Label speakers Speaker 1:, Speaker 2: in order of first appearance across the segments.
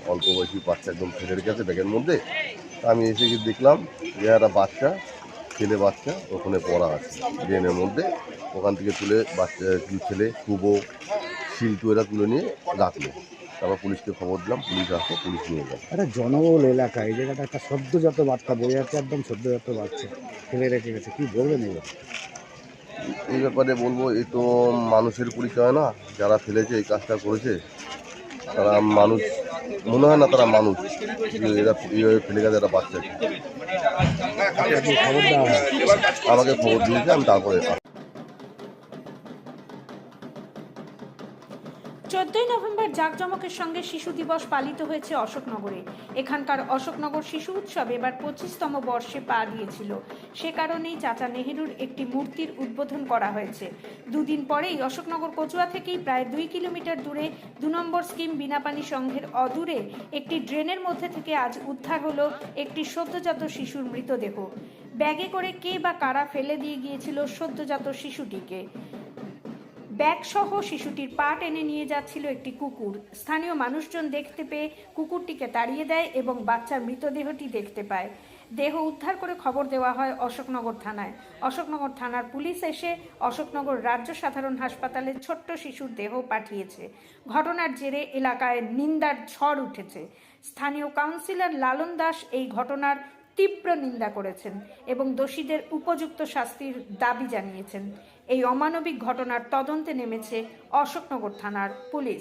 Speaker 1: অল্প বয়সী বাচ্চা একদম ফেলে রেখে আছে ব্যাগের মধ্যে। আমি এসে গিয়ে দেখলাম যে একটা বাচ্চা, ছেলে বাচ্চা ওখানে পড়া আছে ড্রেনের মধ্যে। ওখান থেকে তুলে বাচ্চা কিছু ছেলে কুবো শিল্টু এরা তুলে নিয়ে রাখলো। তারপর পুলিশকে খবর দিলাম, পুলিশ আসে, পুলিশ নিয়ে গেল।
Speaker 2: একটা জনবহুল এলাকা, এই জায়গাটা একটা সদ্যজাত বাচ্চা বয়ে যাচ্ছে, একদম সদ্যজাত বাচ্চা ফেলে রেখে গেছে, কি বলবেন এবার?
Speaker 1: এই ব্যাপারে বলবো, এই তো মানুষের পরিচয় না। যারা ফেলেছে এই কাজটা করেছে তারা মানুষ মনে হয় না, তারা মানুষ। এরা এইভাবে ফেলে গেছে একটা বাচ্চাকে।
Speaker 2: খবর দেওয়া হয়?
Speaker 1: আমাকে খবর দিয়েছে, আমি তারপরে
Speaker 3: 14ই নভেম্বর জাঁকজমকের সঙ্গে শিশু দিবস পালিত হয়েছে অশোকনগরে। এখানকার অশোকনগর শিশু উৎসব এবার 25তম বর্ষে পা দিয়েছিল। সে কারণেই চাচা নেহেরুর একটি মূর্তির উদ্বোধন করা হয়েছে। দুদিন পরেই অশোকনগর কচুয়া থেকেই প্রায় 2 কিলোমিটার দূরে 2 নম্বর স্কিম বিনাপানি সংঘের অদূরে একটি ড্রেনের মধ্যে থেকে আজ উদ্ধার হলো একটি সদ্যজাত শিশুর মৃতদেহ। ব্যাগে করে কে বা কারা ফেলে দিয়ে গিয়েছিল সদ্যজাত শিশুটিকে। ব্যাগসহ শিশুটির পা টেনে নিয়ে যাচ্ছিল একটি কুকুর। স্থানীয় মানুষজন দেখতে পেয়ে কুকুরটিকে তাড়িয়ে দেয় এবং বাচ্চার মৃতদেহটি দেখতে পায়। দেহ উদ্ধার করে খবর দেওয়া হয় অশোকনগর থানায়। অশোকনগর থানার পুলিশ এসে অশোকনগর রাজ্য সাধারণ হাসপাতালে ছোট্ট শিশুর দেহ পাঠিয়েছে। ঘটনার জেরে এলাকায় নিন্দার ঝড় উঠেছে। স্থানীয় কাউন্সিলর লালন দাস এই ঘটনার তীব্র নিন্দা করেছেন এবং দোষীদের উপযুক্ত শাস্তির দাবি জানিয়েছেন। এই অমানবিক ঘটনার তদন্তে নেমেছে অশোকনগর থানার পুলিশ।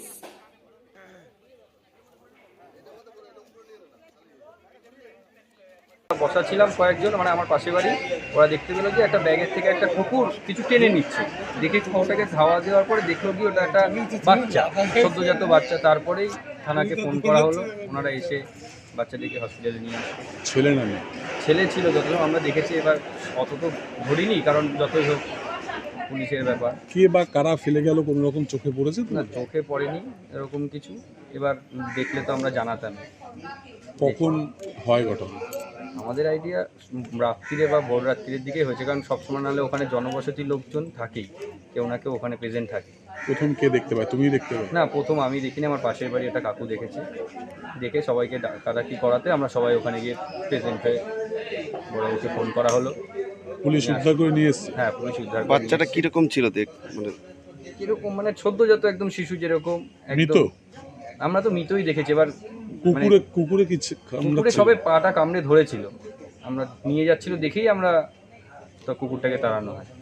Speaker 4: বসা ছিলাম কয়েকজন, মানে আমার পাশে বাড়ি। ওরা দেখতে পেলো যে একটা ব্যাগের থেকে একটা কুকুর কিছু টেনে নিচ্ছে। দেখে ওটাকে ধাওয়া দেওয়ার পরে দেখলো কি ওটা একটা বাচ্চা, সদ্যজাত বাচ্চা। তারপরেই থানাকে ফোন করা হলো, ওনারা এসে বাচ্চাটিকে হসপিটালে নিয়ে আসে।
Speaker 5: ছেলে না মেয়ে?
Speaker 4: ছেলে ছিল যতক্ষণ আমরা দেখেছি। এবার অত তো ধরিনি, কারণ যতই হোক পুলিশের ব্যাপার।
Speaker 5: কে বা কারা ফেলে গেল কোনো রকম চোখে পড়েছে তো?
Speaker 4: না, চোখে পড়েনি এরকম কিছু। এবার দেখলে তো আমরা জানাতাম।
Speaker 5: কখন হয় ঘটনা?
Speaker 4: আমাদের আইডিয়া রাত্রিরে বা ভোর রাত্রির দিকে হয়েছে, কারণ সবসময় নাহলে ওখানে জনবসতি লোকজন থাকেই, কেউ না কেউ ওখানে প্রেজেন্ট থাকে।
Speaker 5: প্রথম কে দেখতে পায়? তুমি দেখতে পাও?
Speaker 4: না, প্রথম আমি দেখিনি, আমার পাশের বাড়ি একটা কাকু দেখেছে। দেখে সবাইকে ডাকাডাকি করাতে আমরা সবাই ওখানে গিয়ে প্রেজেন্ট হয়ে বড়বাবুকে ফোন করা হলো।
Speaker 5: পুলিশ উদ্ধার করে নিয়ে এসছে?
Speaker 4: হ্যাঁ, পুলিশ উদ্ধার করে
Speaker 6: বাচ্চাটা
Speaker 4: নিয়ে এসেছে।
Speaker 6: কিরকম ছিল মানে
Speaker 4: কিরকম মানে সদ্যজাত একদম শিশু যেরকম
Speaker 5: মৃত?
Speaker 4: একদম। আমরা তো মৃতই দেখেছি। এবার
Speaker 5: কুকুরে কি
Speaker 4: কুকুরে সবে পাটা কামড়ে ধরেছিল, আমরা নিয়ে যাচ্ছিল দেখেই আমরা তো কুকুরটাকে তাড়ানো হয়।